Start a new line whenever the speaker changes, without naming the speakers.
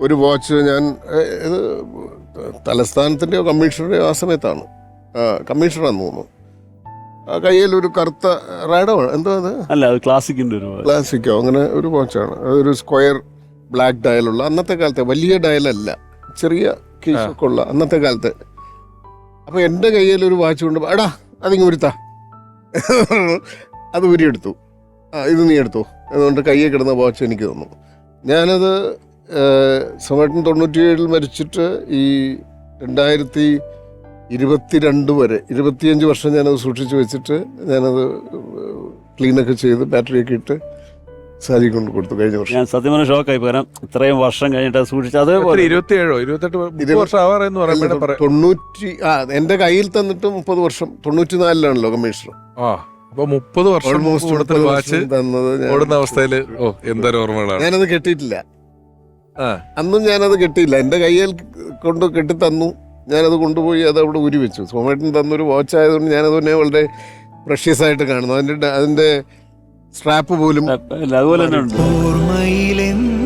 ഒരു വാച്ച് ഞാൻ ഇത് തലസ്ഥാനത്തിൻ്റെയോ കമ്മീഷണറുടെയോ ആ സമയത്താണ്, കമ്മീഷണറാന്ന് തോന്നുന്നു. ആ കയ്യിൽ ഒരു കറുത്ത റാഡോ എന്തോ അത്
അല്ല, അത് ക്ലാസിക്കിന്റെ ഒരു
ക്ലാസിക്കോ അങ്ങനെ ഒരു വാച്ചാണ്. അതൊരു സ്ക്വയർ ബ്ലാക്ക് ഡയലുള്ള, അന്നത്തെ കാലത്തെ വലിയ ഡയലല്ല, ചെറിയ കീശൊക്കെ ഉള്ള അന്നത്തെ കാലത്തെ. അപ്പോൾ എൻ്റെ കയ്യിൽ ഒരു വാച്ച് കൊണ്ട് എടാ അതിങ്ങ് ഉരുത്താ അത് ഉരിയെടുത്തു. ഇത് നീ എടുത്തു അതുകൊണ്ട് കയ്യിൽ കിടന്ന വാച്ച് എനിക്ക് തന്നു. ഞാനത് സമയത്തിന് 97 മരിച്ചിട്ട് ഈ 2022 വരെ 25 വർഷം ഞാനത് സൂക്ഷിച്ച് വെച്ചിട്ട് ഞാനത് ക്ലീനൊക്കെ ചെയ്ത് ബാറ്ററിയൊക്കെ ഇട്ട് സാരി കൊണ്ട് കൊടുത്തു കഴിഞ്ഞ വർഷം.
ഞാൻ സത്യം പറഞ്ഞ ഷോക്കായി. പകരം ഇത്രയും വർഷം കഴിഞ്ഞിട്ട് സൂക്ഷിച്ചു. അതേപോലെ
27-28 വർഷം ആവാറെന്ന് പറയുമ്പോൾ
എൻ്റെ കയ്യിൽ തന്നിട്ട് 30 വർഷം. 94-ലാണല്ലോ കമ്മീഷണർ.
അപ്പൊ 30 വർഷം വാച്ച് ഓടുന്ന അവസ്ഥയില് എന്തൊരു ഓർമ്മകളാണ്.
ഞാനത് കെട്ടിയിട്ടില്ല, അന്നും ഞാനത് കെട്ടിയില്ല. എൻ്റെ കയ്യിൽ കൊണ്ട് കെട്ടി തന്നു, ഞാനത് കൊണ്ടുപോയി അത് അവിടെ ഉരി വെച്ചു. സോമേട്ടൻ തന്നൊരു വാച്ച് ആയതുകൊണ്ട് ഞാനത് തന്നെ വളരെ പ്രഷ്യസ് ആയിട്ട് കാണുന്നു. അതിൻ്റെ സ്ട്രാപ്പ് പോലും
അതുപോലെ തന്നെ ഉണ്ട്.